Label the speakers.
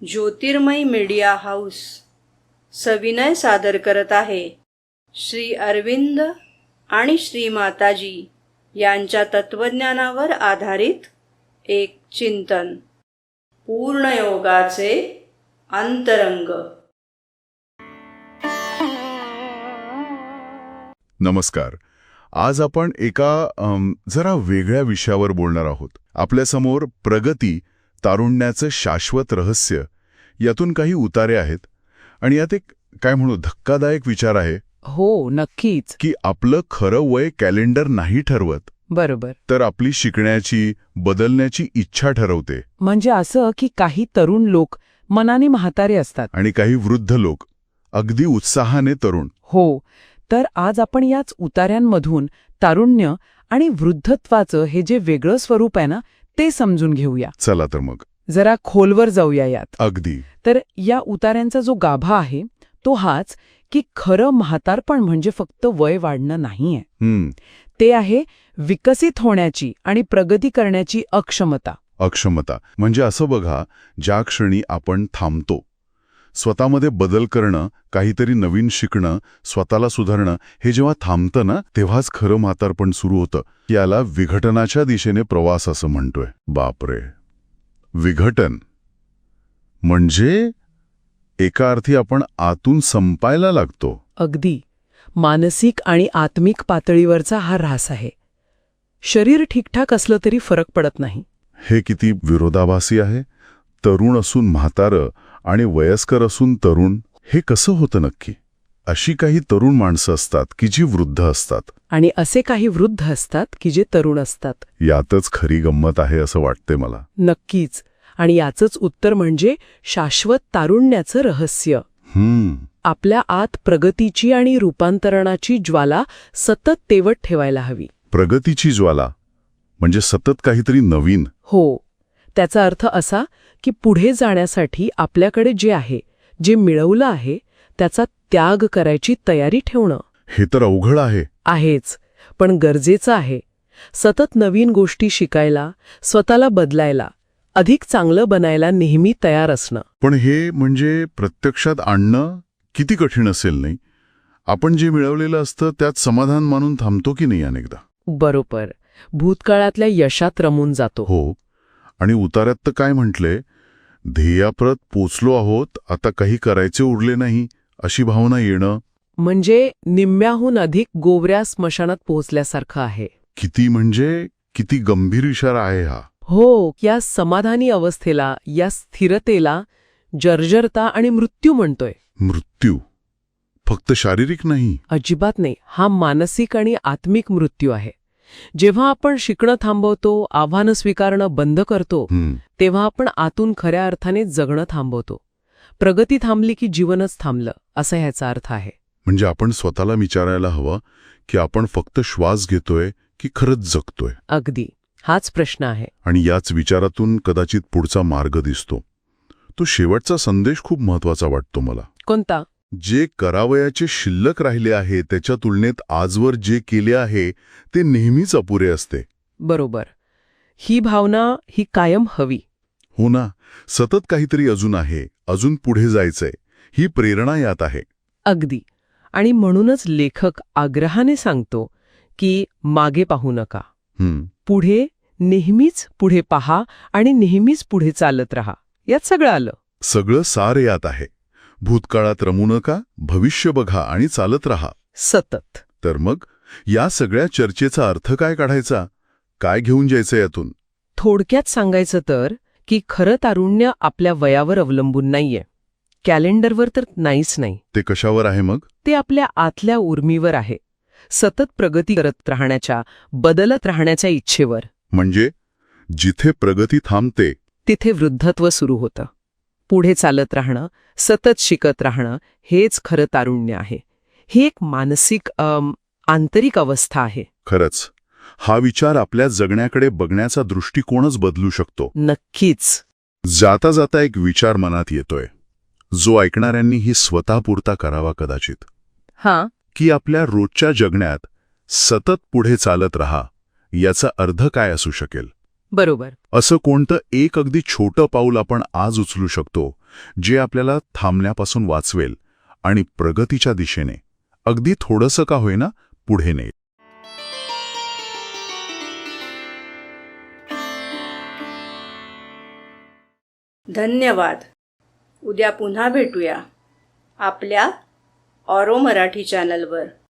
Speaker 1: ज्योतिर्मय media house सविनय सादर करत आहे श्री अरविंद आणि श्री माताजी यांच्या तत्वज्ञानावर आधारित एक चिंतन, पूर्णयोगाचे अंतरंग.
Speaker 2: नमस्कार. आज आपण एका जरा वेगळ्या विषयावर बोलणार आहोत. आपल्यासमोर प्रगती, तारुण्याचं शाश्वत रहस्य यातून काही उतारे आहेत आणि यात एक काय म्हणू धक्कादायक विचार आहे.
Speaker 3: हो, नक्कीच.
Speaker 2: की आपलं खरं वय कॅलेंडर नाही ठरवत,
Speaker 3: बरोबर.
Speaker 2: तर आपली शिकण्याची, बदलण्याची इच्छा ठरवते.
Speaker 3: म्हणजे असं की काही तरुण लोक मनाने म्हातारे असतात
Speaker 2: आणि काही वृद्ध लोक अगदी उत्साहाने तरुण.
Speaker 3: हो. तर आज आपण याच उतार्यांमधून तारुण्य आणि वृद्धत्वाचं हे जे वेगळं स्वरूप आहे ना, ते समजून घेऊया.
Speaker 2: चला तर मग
Speaker 3: जरा खोलवर जाऊया यात.
Speaker 2: अगदी.
Speaker 3: तर या उतार्यांचा जो गाभा आहे तो हाच की खरं म्हातारपण म्हणजे फक्त वय वाढणं नाहीये. ते आहे विकसित होण्याची आणि प्रगती करण्याची अक्षमता.
Speaker 2: अक्षमता म्हणजे असं बघा, ज्या क्षणी आपण थांबतो, स्वतःमध्ये बदल करणं, काहीतरी नवीन शिकणं, स्वतःला सुधारणं, हे जेव्हा थांबतं ना, तेव्हाच खरं म्हातारपण सुरू होतं. याला विघटनाच्या दिशेने प्रवास असं म्हणतोय. बापरे, विघटन म्हणजे एका अर्थी आपण आतून संपायला लागतो.
Speaker 3: अगदी मानसिक आणि आत्मिक पातळीवरचा हा ऱ्हास आहे. शरीर ठीकठाक असलं तरी फरक पडत नाही.
Speaker 2: हे किती विरोधाभासी आहे. तरुण असून म्हातारं आणि वयस्कर असून तरुण, हे कसं होतं नक्की? अशी काही तरुण माणसं असतात की जी वृद्ध असतात,
Speaker 3: आणि असे काही वृद्ध असतात की जे तरुण असतात.
Speaker 2: यातच खरी गंमत आहे असं वाटते मला.
Speaker 3: नक्कीच. आणि याचंच उत्तर म्हणजे शाश्वत तारुण्याचं रहस्य. आपल्या आत प्रगतीची आणि रूपांतरणाची ज्वाला सतत तेवत ठेवायला हवी.
Speaker 2: प्रगतीची ज्वाला म्हणजे सतत काहीतरी नवीन.
Speaker 3: हो. त्याचा अर्थ असा की पुढे जाण्यासाठी आपल्याकडे जे आहे, जे मिळवलं आहे, त्याचा त्याग करायची तयारी ठेवणं.
Speaker 2: हे तर अवघड आहे.
Speaker 3: आहेच, पण गरजेचं आहे. सतत नवीन गोष्टी शिकायला, स्वतःला बदलायला, अधिक चांगलं बनायला नेहमी तयार असणं.
Speaker 2: पण हे म्हणजे प्रत्यक्षात आणणं किती कठीण असेल नाही? आपण जे मिळवलेलं असतं त्यात समाधान मानून थांबतो की नाही अनेकदा?
Speaker 3: बरोबर. भूतकाळातल्या यशात रमून जातो.
Speaker 2: हो. आणि उतार्यात तर काय म्हटले, ध्येयाप्रत पोचलो आहोत, आता काही करायचे उरले नाही, अशी भावना येणं.
Speaker 3: म्हणजे निम्म्याहून अधिक गोवऱ्या स्मशानात पोहोचल्यासारखं आहे.
Speaker 2: किती गंभीर इशारा आहे हा.
Speaker 3: हो. या समाधानी अवस्थेला, या स्थिरतेला जर्जरता आणि मृत्यू म्हणतोय.
Speaker 2: मृत्यू फक्त शारीरिक नाही?
Speaker 3: अजिबात नाही. हा मानसिक आणि आत्मिक मृत्यू आहे. जेव्हा आपण शिकणं थांबवतो, आव्हानं स्वीकारणं बंद करतो, तेव्हा आपण आतून खऱ्या अर्थाने जगणं थांबवतो. प्रगती थांबली की जीवनच थांबलं, असा ह्याचा अर्थ आहे.
Speaker 2: म्हणजे आपण स्वतःला विचारायला हवं की आपण फक्त श्वास घेतोय की खरंच जगतोय?
Speaker 3: अगदी. हाच प्रश्न आहे.
Speaker 2: आणि याच विचारातून कदाचित पुढचा मार्ग दिसतो. तो शेवटचा संदेश खूप महत्वाचा वाटतो मला.
Speaker 3: कोणता?
Speaker 2: जे करावयाचे शिल्लक राहिले आहे त्याच्या तुलनेत आजवर जे केले आहे ते नेहमीच अपुरे असते.
Speaker 3: बरोबर. ही भावना ही कायम हवी.
Speaker 2: हो ना. सतत काहीतरी अजून आहे, अजून पुढे जायचंय, ही प्रेरणा यात आहे.
Speaker 3: अगदी. आणि म्हणूनच लेखक आग्रहाने सांगतो की मागे पाहू नका. पुढे, नेहमीच पुढे पहा आणि नेहमीच पुढे चालत राहा. यात सगळं आलं.
Speaker 2: सगळं सार यात आहे. भूतकाळात रमू नका, भविष्य बघा आणि चालत राहा
Speaker 3: सतत.
Speaker 2: तर मग या सगळ्या चर्चेचा अर्थ काय काढायचा? काय घेऊन जायचं यातून?
Speaker 3: थोडक्यात सांगायचं तर की खरं तारुण्य आपल्या वयावर अवलंबून नाहीये, कॅलेंडरवर तर नाहीच नाही.
Speaker 2: ते कशावर आहे मग?
Speaker 3: ते आपल्या आतल्या उर्मीवर आहे. सतत प्रगती करत राहण्याच्या, बदलत राहण्याच्या इच्छेवर.
Speaker 2: म्हणजे जिथे प्रगती थांबते
Speaker 3: तिथे वृद्धत्व सुरू होतं. पुढे चालत राहणं, सतत शिकत राहणं, हेच खरं तारुण्य आहे. ही एक मानसिक आंतरिक अवस्था आहे.
Speaker 2: खरंच हा विचार आपल्या जगण्याकडे बघण्याचा दृष्टिकोनच बदलू शकतो.
Speaker 3: नक्कीच.
Speaker 2: जाता जाता एक विचार मनात येतोय, जो ऐकणाऱ्यांनी ही स्वतःपुरता करावा कदाचित. की आपल्या रोजच्या जगण्यात सतत पुढे चालत राहा, याचा अर्थ काय असू शकेल?
Speaker 3: बरोबर.
Speaker 2: असं कोणतं एक अगदी छोटं पाऊल आपण आज उचलू शकतो जे आपल्याला थांबण्यापासून वाचवेल आणि प्रगतीच्या दिशेने अगदी थोडंसं का होईना पुढे नेईल.
Speaker 1: धन्यवाद. उद्या पुन्हा भेटूया आपल्या ऑरो मराठी चॅनलवर.